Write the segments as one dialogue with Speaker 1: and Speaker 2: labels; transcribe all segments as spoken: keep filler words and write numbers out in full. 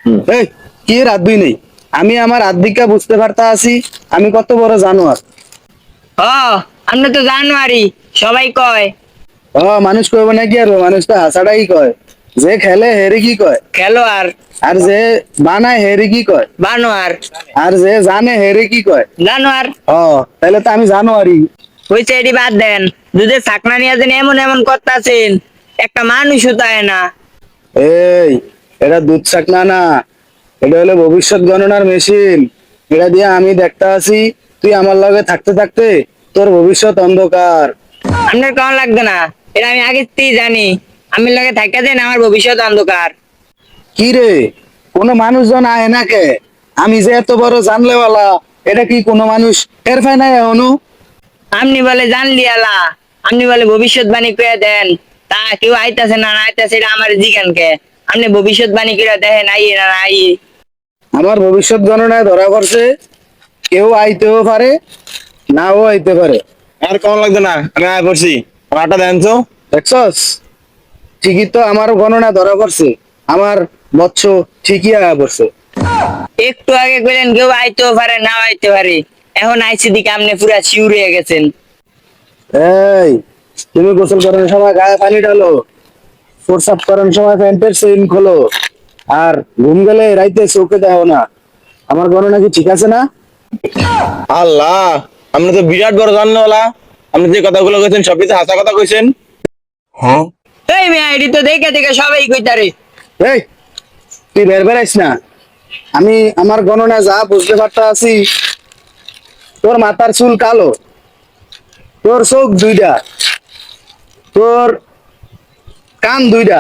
Speaker 1: এই কি রাত দুই নেই, আমি আমার আদিকা বুঝতে পারতা আছি আমি কত বড় জানোয়ার।
Speaker 2: ও আমরা তো জানুয়ারি সবাই কয়।
Speaker 1: ও মানুষ কইব না কি আর মানুষ তো হাসাটাই কয়, যে খেলে হেরে কি কয়,
Speaker 2: খেলোয়াড়।
Speaker 1: আর যে বানায় হেরে কি কয়,
Speaker 2: বানোয়ার।
Speaker 1: আর যে জানে হেরে কি কয়।
Speaker 2: জানোয়ার।
Speaker 1: ও তাহলে তো আমি জানোয়ারই।
Speaker 2: হইছে এটি বাদ দেন, দুধের চাকনা নিয়ে যেন এমন এমন করতেছেন, একটা মানুষও তাই না।
Speaker 1: এই এটা দুধ চাকনা না, এটা হলো ভবিষ্যৎ গণনার মেশিন। এটা দিয়ে আমি দেখতে আছি তুই আমার লগে থাকতে থাকতে তোর ভবিষ্যৎ অন্ধকার।
Speaker 2: আপনার কেমন লাগবে না, এটা আমি আগে থেকেই জানি। আমি লগে থাকা দেন আমার ভবিষ্যৎ অন্ধকার।
Speaker 1: কি রে, কোনো মানুষজন আয় না কে? আমি যে এত বড় জানলেওয়ালা, এটা কি কোনো মানুষ টের পায় না এখনো?
Speaker 2: আপনি বলে জানলি আলা, আপনি বলে ভবিষ্যৎবাণী করে দেন, তা কেউ আইতাছে না না আইতাছে এটা আমার জিগানকে। আপনি ভবিষ্যৎবাণী করে দেখেন আই না আই।
Speaker 1: আমার ভবিষ্যৎ গণনায় ধরা পড়ছে, কেউ আইতেও পারে নাও আইতে পারে।
Speaker 3: আর কেমন লাগবে না, আমি আয় পড়ছি। আমার আটা দেন তো।
Speaker 1: দেখছস, ঠিকই তো আমার গণনা ধরা পড়ছে, আমার বৎস ঠিকই আয়া পড়ছে।
Speaker 2: একটু আগে কইলেন কেউ আইতেও পারে না আইতে পারে, এখন আইসি দিকে আপনি পুরা শিউর হয়ে গেছেন।
Speaker 1: এই তুমি গোসল করার সময় গায়ে পানি ঢালো, প্রসাব করার সময় প্যান্টের চেইন খোলো, আর ঘুম গেলে রাইতে চোখে দেখো না। আমার গণনা কি ঠিক আছে না?
Speaker 3: আল্লাহ, আপনি তো বিরাট বড় জানলেওয়ালা। আপনি যে কথাগুলো কইছেন সবই তো হাসা কথা কইছেন।
Speaker 2: এই মেয়ে এটি তো দেখে দেখে সবাই কইতারে।
Speaker 1: এই তুই বের বেড়াইস না, আমি আমার গণনা যা বুঝতে পারতা আছি। তোর মাথার চুল কালো, তোর চোখ দুইটা, তোর কান দুইটা,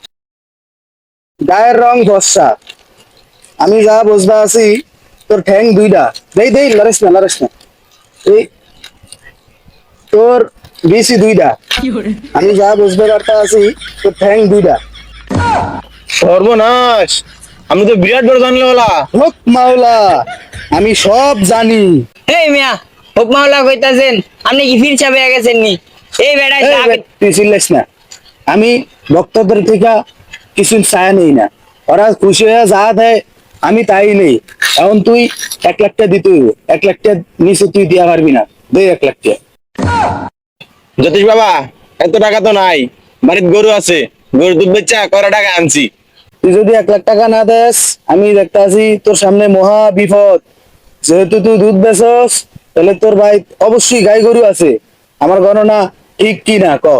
Speaker 1: গায়ের রং ফর্সা। আমি যা বুঝতে আছি তোর ঠ্যাং দুইটা। দেই দেই লড়াইস না লড়াইস না। এই তোর বিসি দুইটা। আমি যা বুঝতে পারতা আছি তোর ঠ্যাং দুইটা।
Speaker 3: সর্বনাশ, আপনি তো বিরাট বড় জানলেওয়ালা।
Speaker 1: হোক মাওলা, আমি সব জানি।
Speaker 2: এই মিয়া হোক মাওলা কইতাছেন, আপনি কি ফির চাপে গেছেন নি? এই বেড়াই
Speaker 1: এই বে, তুই চিল্লাইস না। আমি ভক্তদের থেকে কিছু চায়া নেই না, ওরা খুশি হয়ে যা দেয় আমি তাই নেই। এখন তুই এক লাখ টাকা দিতে হইব, এক লাখ টাকা নিচে তুই দিয়া পারবি না। দে এক লাখ টাকা।
Speaker 3: জ্যোতিষ বাবা, এত টাকা তো নাই, বাড়িতে গরু আছে, গরু দুধ বেচা কয়টা টাকা আনছি।
Speaker 1: তুই যদি এক লাখ টাকা না দেস, আমি দেখতে আছি তোর সামনে মহা বিপদ। যেহেতু তুই দুধ বেচস, তাহলে তোর ভাই অবশ্যই গাই গরু আছে। আমার গণনা ঠিক কি না ক?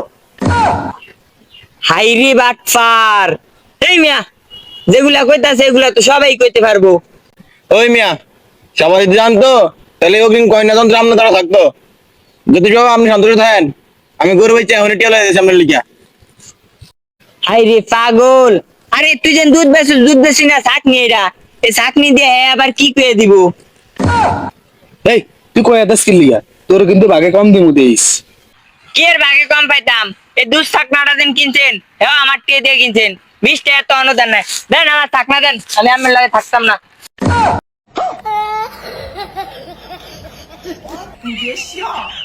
Speaker 2: হাইরি বাটফার। এই মিয়া যেগুলা কইতাছে এগুলা তো সবাই কইতে পারবো।
Speaker 3: ওই মিয়া, সবাই যদি জানতো তাহলে ও কিন্তু কয়না যন্ত্র আপনার দ্বারা থাকতো। জ্যোতিষ বাবা, আপনি সন্তুষ্ট থাকেন, আমি গরু বেচা এখন টিয়া লাগে সামনে লিখা।
Speaker 2: হাইরে পাগল, আরে তুই যেন দুধ বেছিস, দুধ বেশি না চাকনি, এটা এই চাকনি দিয়ে হ্যাঁ আবার কি কয়ে দিব।
Speaker 1: এই তুই কয় এত স্কিল লিগা, তোর কিন্তু ভাগে কম দিমু দেইস।
Speaker 2: কি এর ভাগে কম পাইতাম? এই দুধ চাকনাটা দিন কিনছেন, হ্যাঁ আমার টিয়ে দিয়ে কিনছেন, বিশ টাকা তো অনুদান নাই। দেন আমার চাকনা দেন, আমি আমার লাগে থাকতাম না।
Speaker 4: 你别笑。